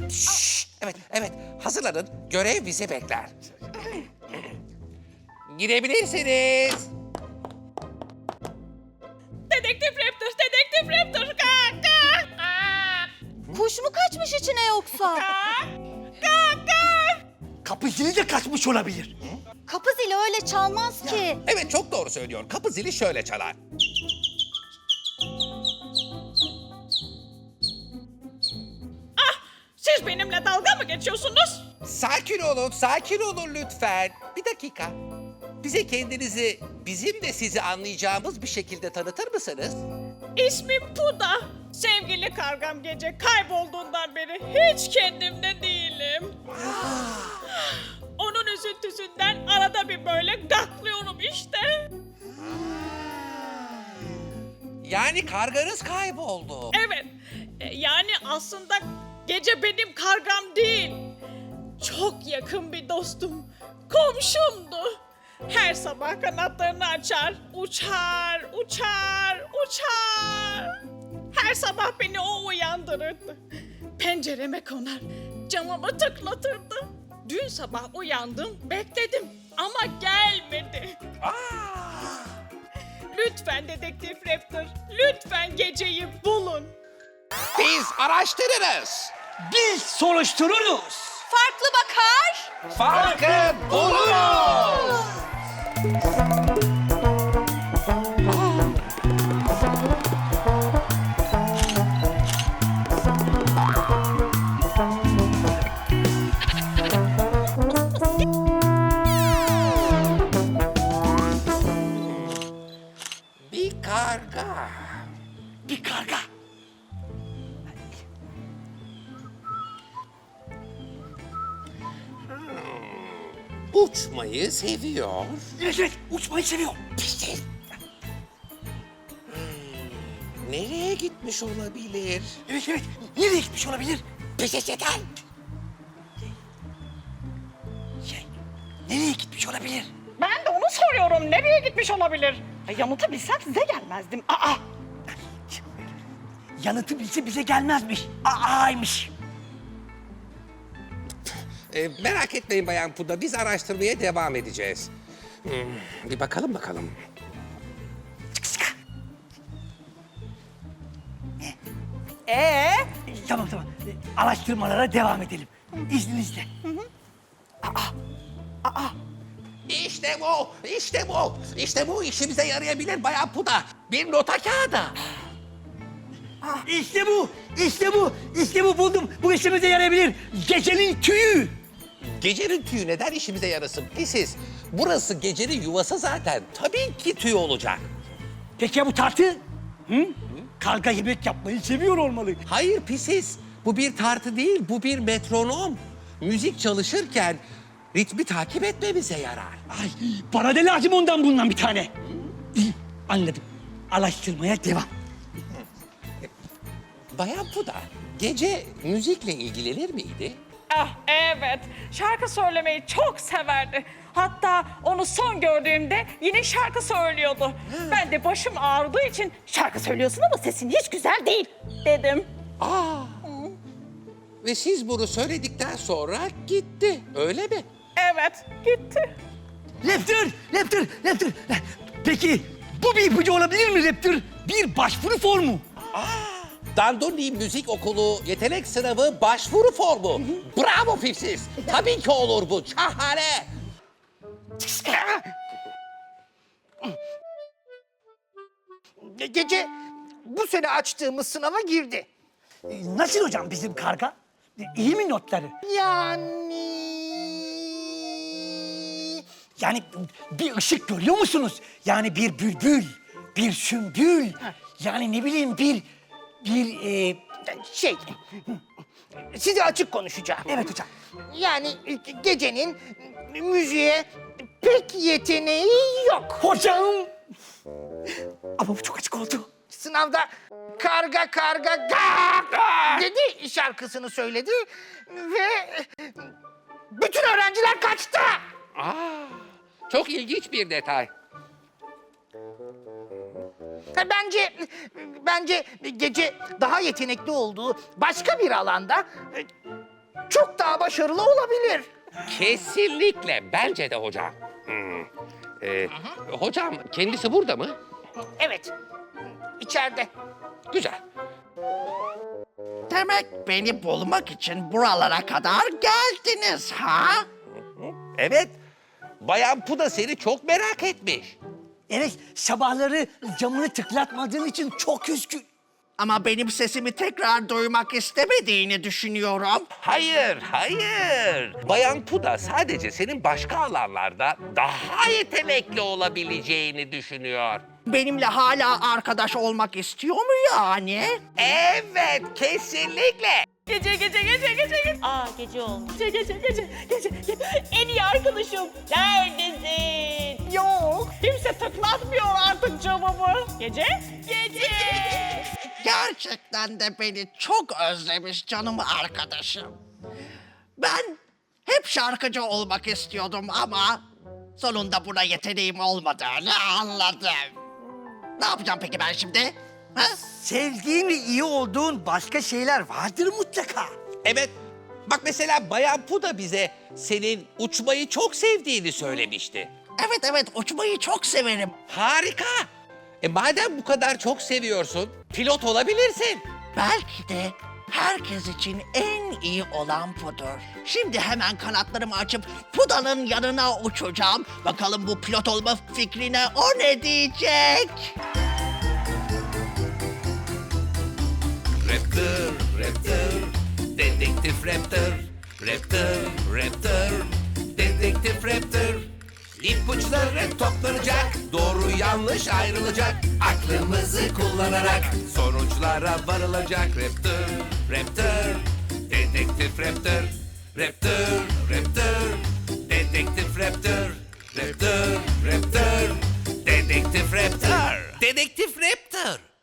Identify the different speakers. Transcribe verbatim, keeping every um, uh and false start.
Speaker 1: Şşş, evet, evet. Hazırlanın. Görev bizi bekler. Gidebilirsiniz.
Speaker 2: Dedektif Raptor, Dedektif Raptor. Kalk, kalk. Aa,
Speaker 3: Kuş mu kaçmış içine yoksa?
Speaker 2: kalk, kalk, kalk.
Speaker 4: Kapı zili de kaçmış olabilir.
Speaker 3: Kapı zili öyle çalmaz ki.
Speaker 1: Evet, çok doğru söylüyor. Kapı zili şöyle çalar.
Speaker 2: Siz benimle dalga mı geçiyorsunuz?
Speaker 1: Sakin olun, sakin olun lütfen. Bir dakika. Bize kendinizi, bizim de sizi anlayacağımız bir şekilde tanıtır mısınız?
Speaker 2: İsmim Puda. Sevgili kargam gece kaybolduğundan beri hiç kendimde değilim. Onun üzüntüsünden arada bir böyle gaklıyorum işte.
Speaker 1: Yani karganız kayboldu.
Speaker 2: Evet, e, yani aslında gece benim kargam değil. Çok yakın bir dostum, komşumdu. Her sabah kanatlarını açar, uçar, uçar, uçar. Her sabah beni o uyandırırdı. Pencereme konar, camımı tıklatırdı. Dün sabah uyandım, bekledim ama gelmedi. Lütfen Dedektif Raptor, lütfen geceyi bulun.
Speaker 1: Biz araştırırız.
Speaker 4: Biz soruştururuz.
Speaker 3: Farklı bakar.
Speaker 1: Farkı buluruz. Bir karga.
Speaker 4: Bir karga.
Speaker 1: Uçmayı seviyor.
Speaker 4: Evet evet uçmayı seviyor.
Speaker 1: Pişt. Nereye gitmiş olabilir?
Speaker 4: Evet evet nereye gitmiş olabilir?
Speaker 1: Pişt yeter.
Speaker 4: Şey nereye gitmiş olabilir?
Speaker 2: Ben de onu soruyorum. Nereye gitmiş olabilir? Yanıtı bilsem size gelmezdim. Aa!
Speaker 4: Yanıtı bilse bize gelmezmiş. Aaymış.
Speaker 1: Ee, merak etmeyin Bayan Puda, biz araştırmaya devam edeceğiz. Hmm, bir bakalım bakalım.
Speaker 4: Ee? Tamam tamam. Ee, Araştırmalara devam edelim. İzninizle.
Speaker 1: İşte bu, işte bu, işte bu işimize yarayabilir Bayan Puda. Bir nota kağıdı.
Speaker 4: İşte bu, işte bu, işte bu buldum. Bu işimize yarayabilir. Gecenin tüyü.
Speaker 1: Gecenin tüyü neden işimize yarasın pisiz? Burası gecenin yuvası zaten. Tabii ki tüy olacak.
Speaker 4: Peki ya bu tartı? Hı? Karga yemek yapmayı seviyor olmalı.
Speaker 1: Hayır pisiz, bu bir tartı değil, bu bir metronom. Müzik çalışırken ritmi takip etmemize yarar.
Speaker 4: Ay, bana da lazım ondan bundan bir tane. İyi, anladım. Araştırmaya devam.
Speaker 1: Bayan Puda, gece müzikle ilgilenir miydi?
Speaker 2: Ah evet, şarkı söylemeyi çok severdi. Hatta onu son gördüğümde yine şarkı söylüyordu. Ben de başım ağrıdığı için şarkı söylüyorsun ama sesin hiç güzel değil dedim.
Speaker 1: Aa. Ve siz bunu söyledikten sonra gitti, öyle mi?
Speaker 2: Evet, gitti.
Speaker 4: Raptor, Raptor, Raptor. Peki bu bir ipucu olabilir mi Raptor? Bir başvuru formu.
Speaker 1: Dandoni Müzik Okulu yetenek sınavı başvuru formu. Bravo Pipsiz. Tabii ki olur bu. Şahane.
Speaker 5: Gece bu sene açtığımız sınava girdi.
Speaker 4: Ee, Nasıl hocam bizim karga? Ee, İyi mi notları?
Speaker 5: Yani...
Speaker 4: Yani bir ışık görüyor musunuz? Yani bir bülbül, bir sümbül. Yani ne bileyim bir, bir... E...
Speaker 5: Şey, size açık konuşacağım.
Speaker 4: Evet hocam.
Speaker 5: Yani gecenin müziğe pek yeteneği yok.
Speaker 4: Hocam! Ama bu çok açık oldu.
Speaker 5: Sınavda karga karga gak dedi şarkısını söyledi ve bütün öğrenciler kaçtı.
Speaker 1: Aa, çok ilginç bir detay.
Speaker 5: Ha, Bence bence gece daha yetenekli olduğu başka bir alanda e, çok daha başarılı olabilir.
Speaker 1: Kesinlikle. Bence de hocam. Hmm. Ee, hocam kendisi burada mı?
Speaker 5: Evet, içeride.
Speaker 1: Güzel.
Speaker 6: Demek beni bulmak için buralara kadar geldiniz ha?
Speaker 1: Evet. Bayan Puda seni çok merak etmiş.
Speaker 4: Evet, sabahları camını tıklatmadığın için çok üzgün.
Speaker 6: Ama benim sesimi tekrar duymak istemediğini düşünüyorum.
Speaker 1: Hayır, hayır. Bayan Puda sadece senin başka alanlarda daha yetenekli olabileceğini düşünüyor.
Speaker 6: Benimle hala arkadaş olmak istiyor mu yani?
Speaker 1: Evet, kesinlikle.
Speaker 2: Gece gece gece gece gece.
Speaker 3: Aa gece olmuş.
Speaker 2: Gece gece gece gece gece. En iyi arkadaşım. Neredesin? Yok. Kimse tıklatmıyor artık camımı. Gece? Gece.
Speaker 6: Gerçekten de beni çok özlemiş canım arkadaşım. Ben hep şarkıcı olmak istiyordum ama sonunda buna yeteneğim olmadığını anladım. Ne yapacağım peki ben şimdi? Ha?
Speaker 4: Sevdiğin ve iyi olduğun başka şeyler vardır mutlaka.
Speaker 1: Evet. Bak mesela Bayan Puda bize senin uçmayı çok sevdiğini söylemişti.
Speaker 6: Evet evet uçmayı çok severim.
Speaker 1: Harika. E madem bu kadar çok seviyorsun, pilot olabilirsin.
Speaker 6: Belki de herkes için en iyi olan budur. Şimdi hemen kanatlarımı açıp Puda'nın yanına uçacağım. Bakalım bu pilot olma fikrine o ne diyecek?
Speaker 1: Raptor, Raptor, Dedektif Raptor. Raptor, Raptor, Dedektif Raptor. İpuçları toplanacak, doğru yanlış ayrılacak. Aklımızı kullanarak sonuçlara varılacak. Raptor, Raptor, Dedektif Raptor. Raptor, Raptor, Dedektif Raptor. Raptor, Raptor, Dedektif Raptor. Dedektif Raptor.